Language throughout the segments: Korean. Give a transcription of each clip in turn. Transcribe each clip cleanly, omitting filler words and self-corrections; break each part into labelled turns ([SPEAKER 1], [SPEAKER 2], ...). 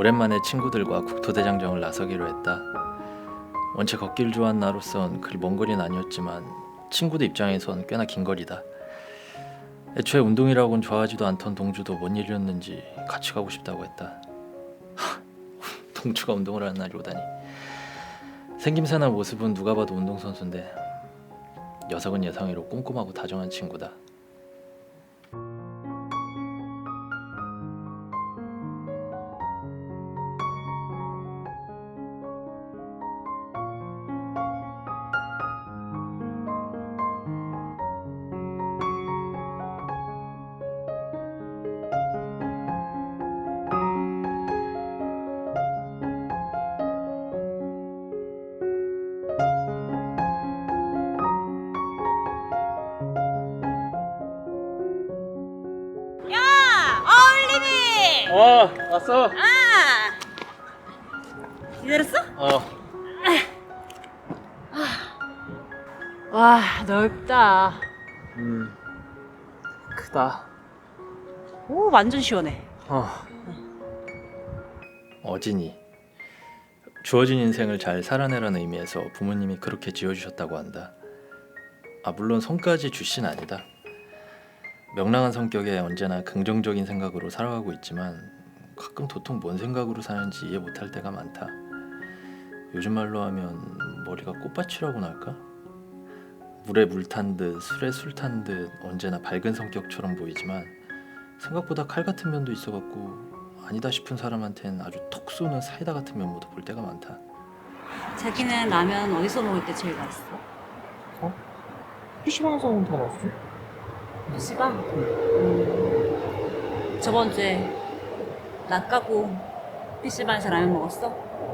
[SPEAKER 1] 오랜만에 친구들과 국토대장정을 나서기로 했다. 원체 걷기를 좋아하는 나로선 그리 먼 거리는 아니었지만 친구들 입장에선 꽤나 긴 거리다. 애초에 운동이라고는 좋아하지도 않던 동주도 뭔 일이었는지 같이 가고 싶다고 했다. 동주가 운동을 하는 날이 오다니. 생김새나 모습은 누가 봐도 운동선수인데 녀석은 예상외로 꼼꼼하고 다정한 친구다. 왔어.
[SPEAKER 2] 기다렸어?
[SPEAKER 3] 와, 넓다.
[SPEAKER 1] 크다.
[SPEAKER 2] 오, 완전 시원해.
[SPEAKER 1] 어진이. 주어진 인생을 잘 살아내라는 의미에서 부모님이 그렇게 지어주셨다고 한다. 물론 성까지 주신 아니다. 명랑한 성격에 언제나 긍정적인 생각으로 살아가고 있지만 가끔 도통 뭔 생각으로 사는지 이해 못할 때가 많다. 요즘 말로 하면 머리가 꽃밭이라고나 할까? 물에 물 탄 듯 술에 술 탄 듯 언제나 밝은 성격처럼 보이지만 생각보다 칼 같은 면도 있어갖고 아니다 싶은 사람한텐 아주 톡 쏘는 사이다 같은 면모도 볼 때가 많다.
[SPEAKER 2] 자기는 라면 어디서 먹을 때 제일 맛있어?
[SPEAKER 4] PC방에서 먹으면 더 맛있어?
[SPEAKER 2] PC방? 저번 주에 나 까고 PC방에서 라면 먹었어?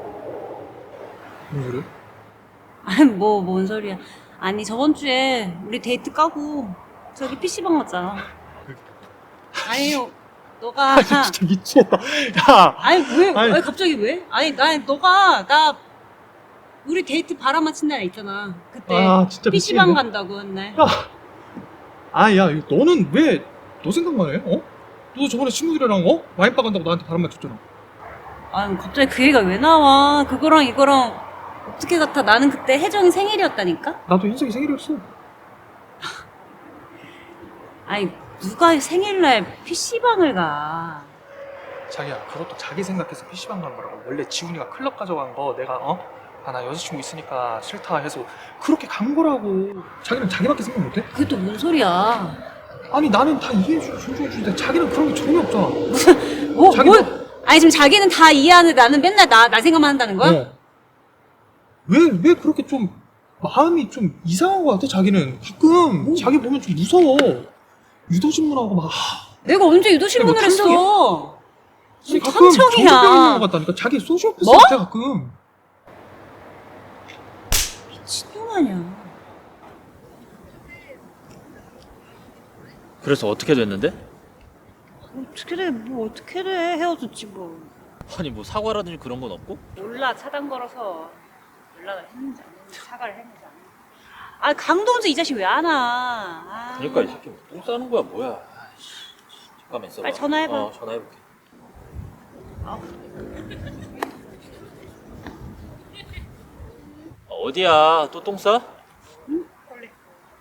[SPEAKER 4] 무슨 소리야?
[SPEAKER 2] 아니 뭔 소리야. 아니 저번 주에 우리 데이트 까고 저기 PC방 갔잖아. 아니 너가
[SPEAKER 4] 진짜 미치겠다. 야!
[SPEAKER 2] 아니 왜?
[SPEAKER 4] 아니.
[SPEAKER 2] 아니 갑자기 왜? 아니 나 우리 데이트 바람만 친 날 있잖아. 그때
[SPEAKER 4] 진짜
[SPEAKER 2] PC방
[SPEAKER 4] 미치겠네.
[SPEAKER 2] 간다고 한 날.
[SPEAKER 4] 야, 너는 왜 너 생각만 해? 너 저번에 친구들이랑 와인바 간다고 나한테 바람만 쳤잖아.
[SPEAKER 2] 아니 갑자기 그 얘기가 왜 나와? 그거랑 이거랑 어떻게 같아? 나는 그때 혜정이 생일이었다니까?
[SPEAKER 4] 나도 흰색이 생일이었어.
[SPEAKER 2] 아니 누가 생일날 PC방을 가?
[SPEAKER 4] 자기야, 그것도 자기 생각해서 PC방 간 거라고. 원래 지훈이가 클럽 가져간 거 내가 나 여자친구 있으니까 싫다 해서 그렇게 간 거라고. 자기는 자기밖에 생각 못해?
[SPEAKER 2] 그게 또 뭔 소리야?
[SPEAKER 4] 아니 나는 다 이해해주고 존중해주는데 자기는 그런 게 전혀 없잖아.
[SPEAKER 2] 뭐?
[SPEAKER 4] 자기는-
[SPEAKER 2] 아니 지금 자기는 다 이해하는데 나는 맨날 나 생각만 한다는 거야?
[SPEAKER 4] 왜 그렇게 좀 마음이 좀 이상한 거 같아? 자기는 가끔 자기 보면 좀 무서워. 유도신문하고 막
[SPEAKER 2] 내가 언제 유도신문을
[SPEAKER 4] 뭐
[SPEAKER 2] 했어? 무슨
[SPEAKER 4] 가끔
[SPEAKER 2] 탐정이야?
[SPEAKER 4] 정신병 있는 것 같다니까. 자기 소시오패스
[SPEAKER 2] 뭐?
[SPEAKER 4] 같아 가끔.
[SPEAKER 2] 미친놈 아니야.
[SPEAKER 1] 그래서 어떻게 됐는데?
[SPEAKER 2] 어떻게 돼? 뭐 어떻게 돼? 헤어졌지 뭐.
[SPEAKER 1] 아니 뭐 사과라든지 그런 건 없고?
[SPEAKER 2] 몰라 차단 걸어서 연락을 했는지 안 했는지 사과를 했는지 안 했는지. 아 강동주 이 자식 왜 안 와?
[SPEAKER 1] 그러니까 이 새끼 똥 싸는 거야 뭐야? 잠깐만 있어봐.
[SPEAKER 2] 빨리 전화해봐.
[SPEAKER 1] 전화해볼게. 어디야? 또 똥 싸?
[SPEAKER 2] 응? 빨리.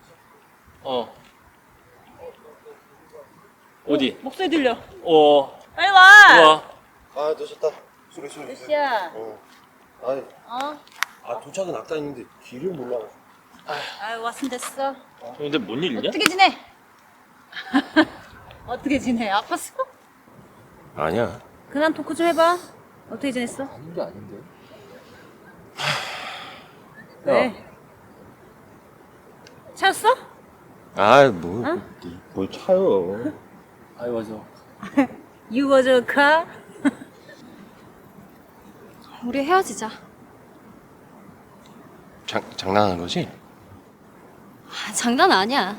[SPEAKER 1] 어디?
[SPEAKER 2] 목소리 들려.
[SPEAKER 1] 와.
[SPEAKER 2] 빨리 와.
[SPEAKER 5] 아 늦었다. 소리.
[SPEAKER 2] 몇 시야?
[SPEAKER 5] 도착은 아까 있는데 길을 몰라.
[SPEAKER 2] 아유 왔으면 됐어.
[SPEAKER 1] 근데 뭔 일이냐?
[SPEAKER 2] 어떻게 지내? 어떻게 지내? 아팠어?
[SPEAKER 5] 아니야.
[SPEAKER 2] 근황 토크 좀 해봐. 어떻게 지냈어?
[SPEAKER 1] 아닌 게 아닌데.
[SPEAKER 2] 왜? 차였어?
[SPEAKER 5] 뭘 차요?
[SPEAKER 1] 아이 맞아.
[SPEAKER 2] You was a car?
[SPEAKER 3] 우리 헤어지자.
[SPEAKER 5] 장난하는 거지?
[SPEAKER 3] 장난 아니야.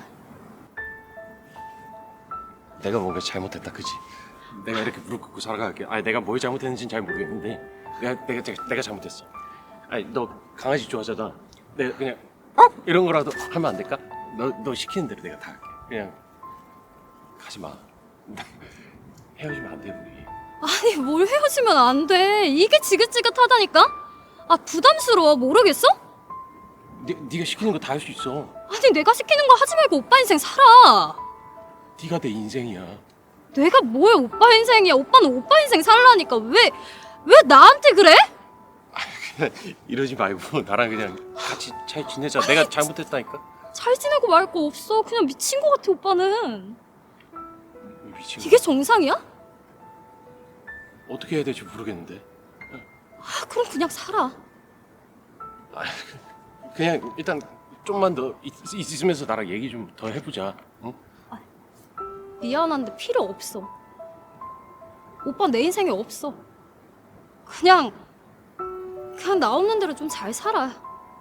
[SPEAKER 5] 내가 뭔가 잘못했다, 그지? 내가 이렇게 무릎 꿇고 살아갈게. 아니 내가 뭘 잘못했는지는 잘 모르겠는데 내가 잘못했어. 아니 너 강아지 좋아하잖아. 내가 그냥 이런 거라도 하면 안 될까? 너 시키는 대로 내가 다 할게. 그냥 가지 마. 헤어지면 안 돼 우리.
[SPEAKER 3] 아니 뭘 헤어지면 안 돼. 이게 지긋지긋하다니까. 아 부담스러워. 모르겠어?
[SPEAKER 5] 네가 시키는 거 다 할 수 있어.
[SPEAKER 3] 아니 내가 시키는 거 하지 말고 오빠 인생 살아.
[SPEAKER 5] 네가 내 인생이야.
[SPEAKER 3] 내가 뭐야 오빠 인생이야. 오빠는 오빠 인생 살라니까. 왜 나한테 그래?
[SPEAKER 5] 이러지 말고 나랑 그냥 같이 잘 지내자. 내가 잘못했다니까.
[SPEAKER 3] 잘 지내고 말 거 없어. 그냥 미친 거 같아 오빠는.
[SPEAKER 5] 미친
[SPEAKER 3] 이게
[SPEAKER 5] 거.
[SPEAKER 3] 정상이야?
[SPEAKER 5] 어떻게 해야 될지 모르겠는데.
[SPEAKER 3] 아, 그럼 그냥 살아.
[SPEAKER 5] 아, 그냥 일단 좀만 더 있으면서 나랑 얘기 좀 더 해보자. 응?
[SPEAKER 3] 미안한데 필요 없어. 오빠 내 인생에 없어. 그냥 나 없는 대로 좀 잘 살아.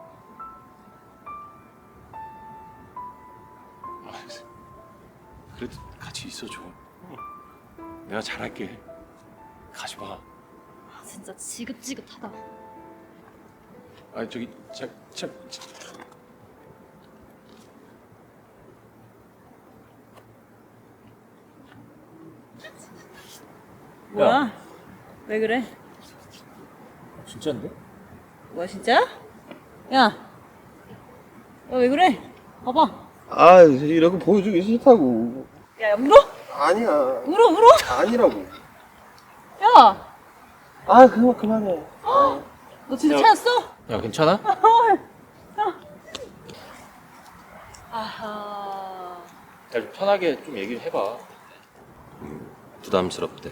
[SPEAKER 5] 그래도 같이 있어줘. 내가 잘할게. 가지 마.
[SPEAKER 3] 아, 진짜 지긋지긋하다.
[SPEAKER 5] 아 저기 참.
[SPEAKER 2] 뭐야? 왜 그래?
[SPEAKER 1] 진짜인데?
[SPEAKER 2] 뭐야 진짜? 야, 왜 그래? 봐봐.
[SPEAKER 6] 아, 이런 거 보여주기 싫다고.
[SPEAKER 2] 야, 울어?
[SPEAKER 6] 아니야.
[SPEAKER 2] 울어?
[SPEAKER 6] 아니라고.
[SPEAKER 2] 야,
[SPEAKER 6] 아, 그만해.
[SPEAKER 2] 너 진짜
[SPEAKER 1] 야.
[SPEAKER 2] 찾았어?
[SPEAKER 1] 야 괜찮아?
[SPEAKER 2] 아하.
[SPEAKER 1] 야, 좀 편하게 좀 얘기를 해봐.
[SPEAKER 5] 부담스럽대.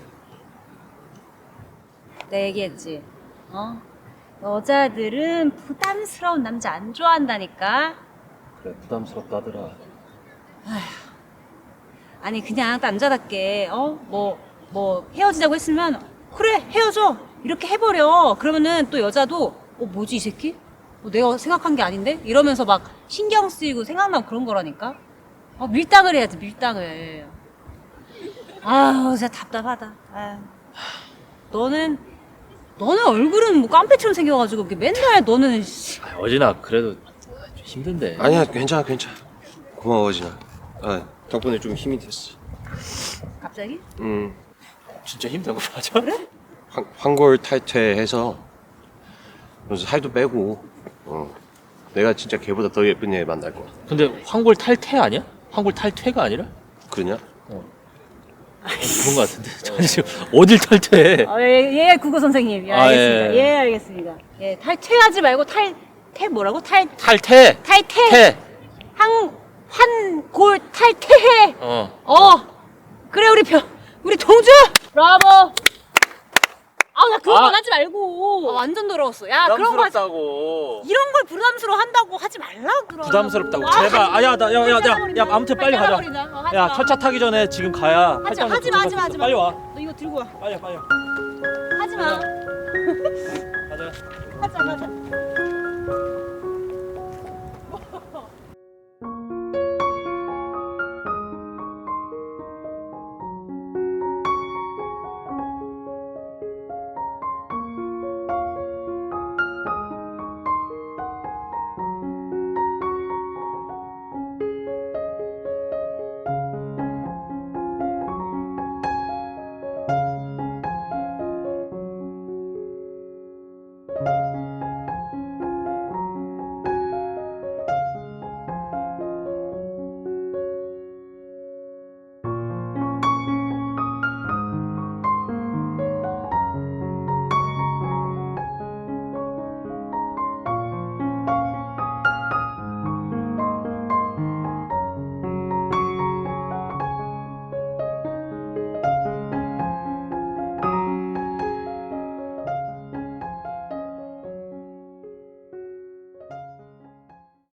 [SPEAKER 2] 내가 얘기했지. 어? 여자들은 부담스러운 남자 안 좋아한다니까.
[SPEAKER 1] 그래 부담스럽다 하더라.
[SPEAKER 2] 아니 그냥 남자답게 뭐 헤어지자고 했으면 그래 헤어져 이렇게 해버려. 그러면은 또 여자도 뭐지 이 새끼? 내가 생각한 게 아닌데? 이러면서 막 신경 쓰이고 생각나고 그런 거라니까. 밀당을 해야지 밀당을. 아우 진짜 답답하다. 아유. 너는 얼굴은 뭐 깡패처럼 생겨가지고 이렇게 맨날 너는
[SPEAKER 1] 아, 어진아 그래도 좀 힘든데.
[SPEAKER 5] 아니야 괜찮아. 고마워 진아. 덕분에 좀 힘이 됐어.
[SPEAKER 2] 갑자기?
[SPEAKER 1] 진짜 힘든 거 맞아? 그래?
[SPEAKER 5] 황골 탈퇴해서 그래서 살도 빼고 내가 진짜 걔보다 더 예쁜 애 만날 거야.
[SPEAKER 1] 근데 황골 탈퇴 아니야? 황골 탈퇴가 아니라?
[SPEAKER 5] 그러냐?
[SPEAKER 1] 그런 거 같은데. 저 지금 어딜 탈퇴해?
[SPEAKER 2] 예, 국어 선생님. 예,
[SPEAKER 1] 아,
[SPEAKER 2] 알겠습니다.
[SPEAKER 1] 예.
[SPEAKER 2] 예, 알겠습니다. 예, 탈퇴하지 말고 탈퇴 뭐라고?
[SPEAKER 1] 탈퇴.
[SPEAKER 2] 탈퇴.
[SPEAKER 1] 퇴.
[SPEAKER 2] 환골 탈퇴해.
[SPEAKER 1] 어.
[SPEAKER 2] 그래 우리 동주. 브라보. 나 그런 건 하지 말고. 완전 더러웠어. 야, 그런 거 하지.
[SPEAKER 1] 부담스럽다고.
[SPEAKER 2] 이런 걸 부담스러워 한다고 하지 말라 그러.
[SPEAKER 1] 부담스럽다고. 제발. 야 아무튼 빨리 가자. 야 첫차 타기 전에 지금 가야.
[SPEAKER 2] 하지
[SPEAKER 1] 팔짱
[SPEAKER 2] 마.
[SPEAKER 1] 붙여서 빨리 와.
[SPEAKER 2] 너 이거 들고 와.
[SPEAKER 1] 빨리.
[SPEAKER 2] 하지 마.
[SPEAKER 1] 가자.
[SPEAKER 2] 하자.